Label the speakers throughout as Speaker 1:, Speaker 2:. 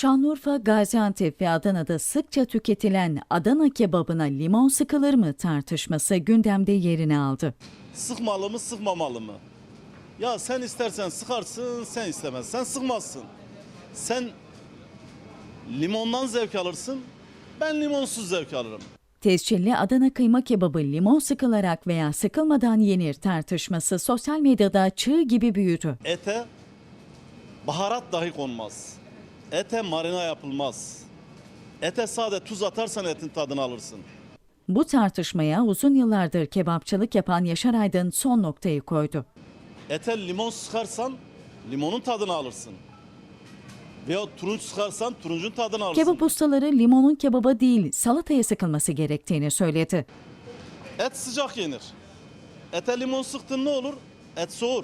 Speaker 1: Şanlıurfa, Gaziantep ve Adana'da sıkça tüketilen Adana kebabına limon sıkılır mı tartışması gündemde yerini aldı.
Speaker 2: Sıkmalı mı, sıkmamalı mı? Ya sen istersen sıkarsın, sen istemezsen sıkmazsın. Sen limondan zevk alırsın, ben limonsuz zevk alırım.
Speaker 1: Tescilli Adana kıyma kebabı limon sıkılarak veya sıkılmadan yenir tartışması sosyal medyada çığ gibi büyüdü.
Speaker 2: Ete baharat dahi konmaz. Ete marina yapılmaz. Ete sade tuz atarsan etin tadını alırsın.
Speaker 1: Bu tartışmaya uzun yıllardır kebapçılık yapan Yaşar Aydın son noktayı koydu.
Speaker 2: Ete limon sıkarsan limonun tadını alırsın. Veya turunç sıkarsan turuncun tadını alırsın.
Speaker 1: Kebap ustaları limonun kebaba değil salataya sıkılması gerektiğini söyledi.
Speaker 2: Et sıcak yenir. Ete limon sıktın ne olur? Et soğur.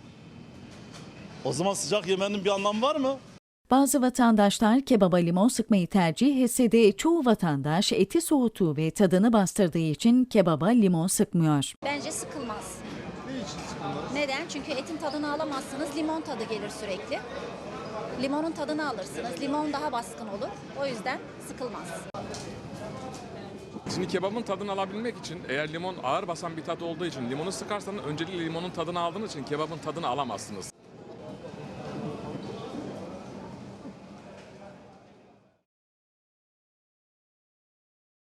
Speaker 2: O zaman sıcak yemenin bir anlamı var mı?
Speaker 1: Bazı vatandaşlar kebaba limon sıkmayı tercih etse de çoğu vatandaş eti soğuttuğu ve tadını bastırdığı için kebaba limon sıkmıyor.
Speaker 3: Bence sıkılmaz. Neden? Çünkü etin tadını alamazsınız. Limon tadı gelir sürekli. Limonun tadını alırsınız. Limon daha baskın olur. O yüzden sıkılmaz.
Speaker 4: Şimdi kebabın tadını alabilmek için eğer limon ağır basan bir tat olduğu için limonu sıkarsanız öncelikle limonun tadını aldığınız için kebabın tadını alamazsınız.